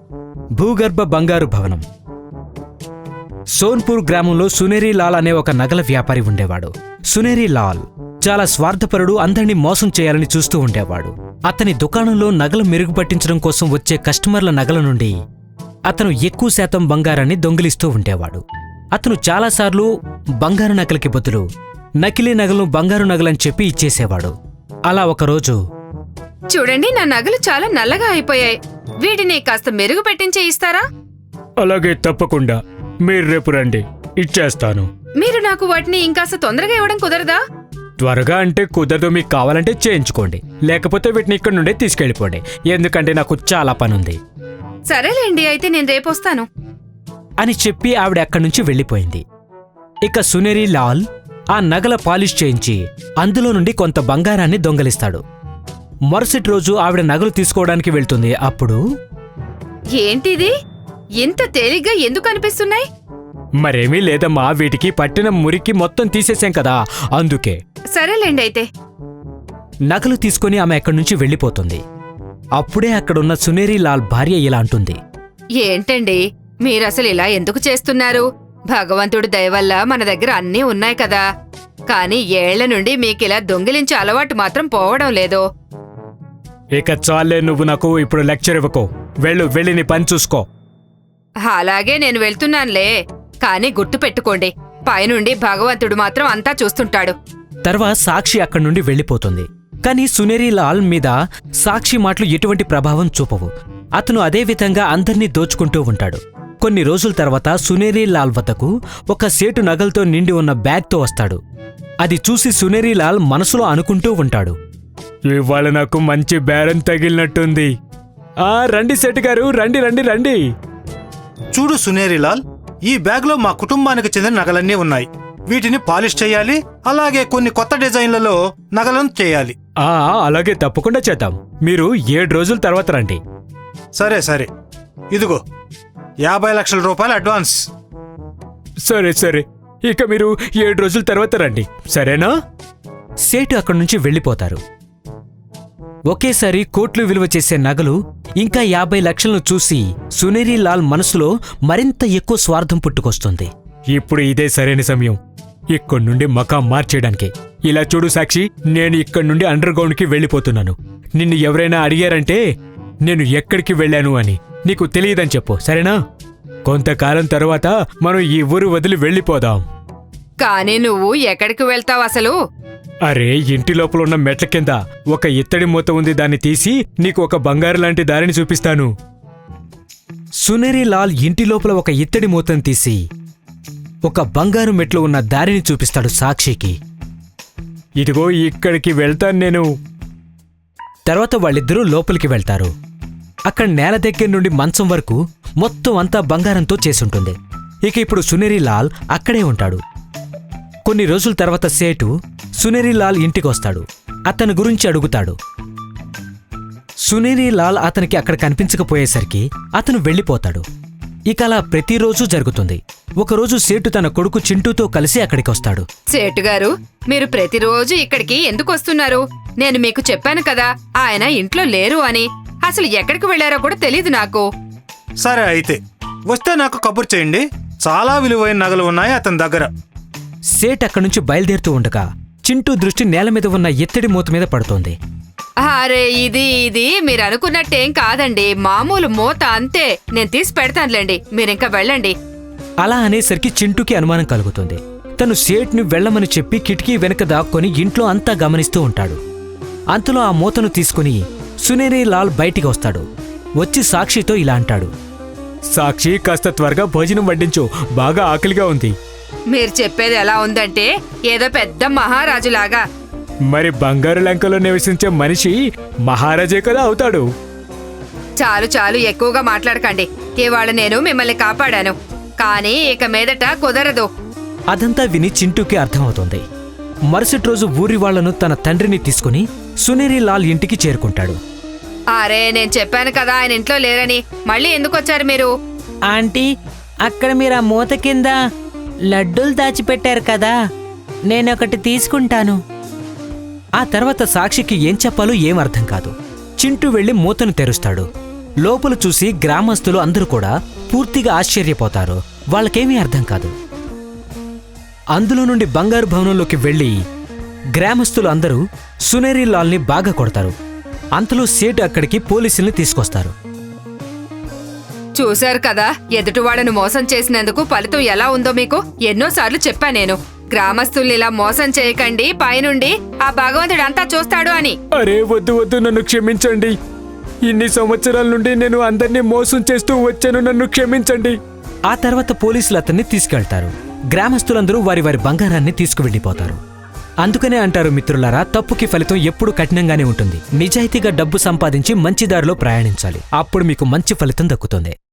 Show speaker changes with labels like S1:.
S1: భూగర్భ బంగారు భవనం. సోన్పూర్ గ్రామంలో సునేరి లాల్ అనే ఒక నగల వ్యాపారి ఉండేవాడు. సునేరి లాల్ చాలా స్వార్థపరుడు, అందరినీ మోసం చేయాలని చూస్తూ ఉండేవాడు. అతని దుకాణంలో నగలు మెరుగుపట్టించడం కోసం వచ్చే కస్టమర్ల నగల నుండి అతను ఎక్కువ శాతం బంగారాన్ని దొంగిలిస్తూ ఉండేవాడు. అతను చాలాసార్లు బంగారు నగలకి బదులు నకిలీ నగలను బంగారు నగలని చెప్పి ఇచ్చేసేవాడు. అలా ఒకరోజు,
S2: చూడండి, నా నగలు చాలా నల్లగా అయిపోయాయి, వీటిని కాస్త మెరుగు పెట్టించే ఇస్తారా?
S1: అలాగే, తప్పకుండా, మీరు రేపు రండి, ఇచ్చేస్తాను.
S2: మీరు నాకు వాటిని ఇంకాస్త తొందరగా ఇవ్వడం కుదరదా?
S1: త్వరగా అంటే కుదరదు, మీకు కావాలంటే చేయించుకోండి, లేకపోతే వీటిని ఇక్కడి నుండే తీసుకెళ్ళిపోండి, ఎందుకంటే నాకు చాలా పనుంది.
S2: సరేలేండి, అయితే నేను రేపొస్తాను
S1: అని చెప్పి ఆవిడ అక్కడి నుంచి వెళ్ళిపోయింది. ఇక సునేరి లాల్ ఆ నగల పాలిష్ చేయించి అందులో నుండి కొంత బంగారాన్ని దొంగలిస్తాడు. మరుసటి రోజు ఆవిడ నగలు తీసుకోవడానికి వెళ్తుంది. అప్పుడు,
S2: ఏంటిది ఇంత తేలిగ్గా ఎందుకు అనిపిస్తున్నాయి?
S1: మరేమీ లేదమ్మా, వీటికి పట్టిన మురికి మొత్తం తీసేశాం కదా, అందుకే.
S2: సరేలేండి అయితే.
S1: నగలు తీసుకుని ఆమె అక్కడి నుంచి వెళ్ళిపోతుంది. అప్పుడే అక్కడున్న సునేరి లాల్ భార్య ఇలా అంటుంది,
S2: ఏంటండి మీరసలు ఇలా ఎందుకు చేస్తున్నారు? భగవంతుడి దయవల్ల మన దగ్గర అన్నీ ఉన్నాయి కదా, కానీ ఏళ్ల నుండి మీకిలా దొంగిలించే అలవాటు మాత్రం పోవడం లేదు.
S1: ఇక చాలే, నువ్వు నాకు ఇప్పుడు లెక్చర్ ఇవ్వకో, వెళ్ళి నీ పని చూసుకో.
S2: అలాగే నేను వెళ్తున్నానులే, కానీ గుర్తు పెట్టుకోండి, పైనుండి భగవంతుడు మాత్రం అంతా చూస్తుంటాడు.
S1: తర్వాత సాక్షి అక్కడి నుండి వెళ్ళిపోతుంది. కాని సునేరి లాల్ మీద సాక్షి మాటలు ఎటువంటి ప్రభావం చూపవు. అతను అదే విధంగా అందర్నీ దోచుకుంటూ ఉంటాడు. కొన్ని రోజుల తర్వాత సునేరి లాల్ వద్దకు ఒక సేటు నగలతో నిండి ఉన్న బ్యాగ్తో వస్తాడు. అది చూసి సునేరి లాల్ మనసులో అనుకుంటూ ఉంటాడు, ఇవాళ నాకు మంచి బేరం తగిలినట్టుంది. రండి సేటు గారు, రండి.
S3: చూడు సునేరిలాల్, ఈ బ్యాగ్లో మా కుటుంబానికి చెందిన నగలన్నీ ఉన్నాయి. వీటిని పాలిష్ చేయాలి, అలాగే కొన్ని కొత్త డిజైన్లలో నగలను చేయాలి.
S1: అలాగే, తప్పకుండా చేద్దాం. మీరు 7 రోజుల తర్వాత రండి.
S3: సరే, ఇదిగో 50 లక్షల రూపాయలు అడ్వాన్స్.
S1: సరే, ఇక మీరు 7 రోజుల తర్వాత రండి, సరేనా? సేటు అక్కడి నుంచి వెళ్ళిపోతారు. ఒకేసారి కోట్లు విలువ చేసే నగలు ఇంకా 50 లక్షలను చూసి సునేరి లాల్ మనసులో మరింత ఎక్కువ స్వార్థం పుట్టుకొస్తుంది. ఇప్పుడు ఇదే సరైన సమయం ఇక్కడి నుండి మకాం మార్చేయడానికి. ఇలా చూడు సాక్షి, నేను ఇక్కడి నుండి అండర్ గ్రౌండ్కి వెళ్ళిపోతున్నాను. నిన్ను ఎవరైనా అడిగారంటే నేను ఎక్కడికి వెళ్ళాను అని నీకు తెలియదని చెప్పు, సరేనా? కొంతకాలం తరువాత మనం ఈ ఊరు వదిలి వెళ్ళిపోదాం.
S2: కానీ నువ్వు ఎక్కడికి వెళ్తావు అసలు?
S1: అరే, ఇంటి లోపల ఉన్న మెట్ల కింద ఒక ఇత్తడి మూత ఉంది, దాన్ని తీసి నీకు ఒక బంగారు లాంటి దారిని చూపిస్తాను. సునేరి లాల్ ఇంటి లోపల ఒక ఇత్తడి మూతను తీసి ఒక బంగారు మెట్లు ఉన్న దారిని చూపిస్తాడు సాక్షికి. ఇదిగో ఇక్కడికి వెళ్తాను నేను. తర్వాత వాళ్ళిద్దరూ లోపలికి వెళ్తారు. అక్కడ నేల దగ్గర నుండి మంచం వరకు మొత్తం అంతా బంగారంతో చేసుంటుంది. ఇక ఇప్పుడు సునేరి లాల్ అక్కడే ఉంటాడు. కొన్ని రోజుల తర్వాత సేటు సునేరి లాల్ ఇంటికొస్తాడు. అతని గురించి అడుగుతాడు. సునేరి లాల్ అతనికి అక్కడ కనిపించకపోయేసరికి అతను వెళ్ళిపోతాడు. ఇక అలా ప్రతిరోజు జరుగుతుంది. ఒకరోజు సేటు తన కొడుకు చింటూతో కలిసి అక్కడికొస్తాడు.
S2: సేటు గారు, మీరు ప్రతిరోజు ఇక్కడికి ఎందుకు వస్తున్నారు? నేను మీకు చెప్పాను కదా, ఆయన ఇంట్లో లేరు అని. అసలు ఎక్కడికి వెళ్లారో కూడా తెలీదు నాకు.
S3: సరే అయితే, వస్తే నాకు కబుర్ చేయండి. చాలా విలువైన నగలు ఉన్నాయి అతని దగ్గర.
S1: సేట్ అక్కడి నుంచి బయలుదేరుతూ ఉండగా చింటూ దృష్టి నేల మీద ఉన్న ఎత్తడి మూత మీద పడుతోంది.
S2: అరే, ఇది మీరు అనుకున్నట్టేం కాదండి, మామూలు మూత అంతే. నేను తీసి పెడతానులేండి, మీరింకా వెళ్ళండి.
S1: అలా అనేసరికి చింటూకి అనుమానం కలుగుతుంది. తను సేట్ని వెళ్లమని చెప్పి కిటికీ వెనక దాక్కొని ఇంట్లో అంతా గమనిస్తూ ఉంటాడు. అంతలో ఆ మూతను తీసుకుని సునేరి లాల్ బయటికి వస్తాడు. వచ్చి సాక్షితో ఇలా అంటాడు, సాక్షి, కాస్త త్వరగా భోజనం వడ్డించు, బాగా ఆకలిగా ఉంది.
S2: మీరు చెప్పేది ఎలా ఉందంటే ఏదో పెద్ద మహారాజులాగా.
S1: మరి బంగారు లంకలో నివసించే మనిషి మహారాజే కదా అవుతాడు.
S2: చాలు, ఎక్కువగా మాట్లాడకండి. ఇవాళ నేను మిమ్మల్ని కాపాడాను, కానీ ఇక మీదట కుదరదు.
S1: అదంతా విని చింటూకి అర్థమవుతుంది. మరుసటి రోజు ఊరి వాళ్లను తన తండ్రిని తీసుకుని సునేరి లాల్ ఇంటికి చేరుకుంటాడు.
S2: అరే, నేను చెప్పాను కదా ఆయన ఇంట్లో లేరని, మళ్ళీ ఎందుకు వచ్చారు మీరు?
S4: ఆంటీ, అక్కడ మీరు ఆ మూత కింద లడ్డూలు దాచిపెట్టారు కదా, నేనొకటి తీసుకుంటాను.
S1: ఆ తర్వాత సాక్షికి ఏం చెప్పాలో ఏం అర్థం కాదు. చింటూ వెళ్లి మూతను తెరుస్తాడు. లోపల చూసి గ్రామస్తులు అందరూ కూడా పూర్తిగా ఆశ్చర్యపోతారు. వాళ్ళకేమీ అర్థం కాదు. అందులో నుండి బంగారు భవనంలోకి వెళ్లి గ్రామస్తులు అందరూ సునేరి లాల్ని బాగా కొడతారు. అంతలో సేటు అక్కడికి పోలీసుల్ని తీసుకొస్తారు.
S2: చూశారు కదా, ఎదుటివాడను మోసం చేసినందుకు ఫలితం ఎలా ఉందో మీకు ఎన్నోసార్లు చెప్పా నేను. గ్రామస్తుల్ని ఇలా మోసం చేయకండి, పైనుండి ఆ భగవంతుడు అంతా చూస్తాడు అని.
S1: అరే వద్దు వద్దు, నన్ను క్షమించండి. ఇన్ని సంవత్సరాల నుండి నేను అందరినీ మోసం చేస్తూ వచ్చాను, నన్ను క్షమించండి. ఆ తర్వాత పోలీసులు అతన్ని తీసుకెళ్తారు. గ్రామస్తులందరూ వారి వారి బంగారాన్ని తీసుకువెళ్ళిపోతారు. అందుకనే అంటారు మిత్రులారా, తప్పుకి ఫలితం ఎప్పుడూ కఠినంగానే ఉంటుంది. నిజాయితీగా డబ్బు సంపాదించి మంచి దారిలో ప్రయాణించాలి. అప్పుడు మీకు మంచి ఫలితం దక్కుతుంది.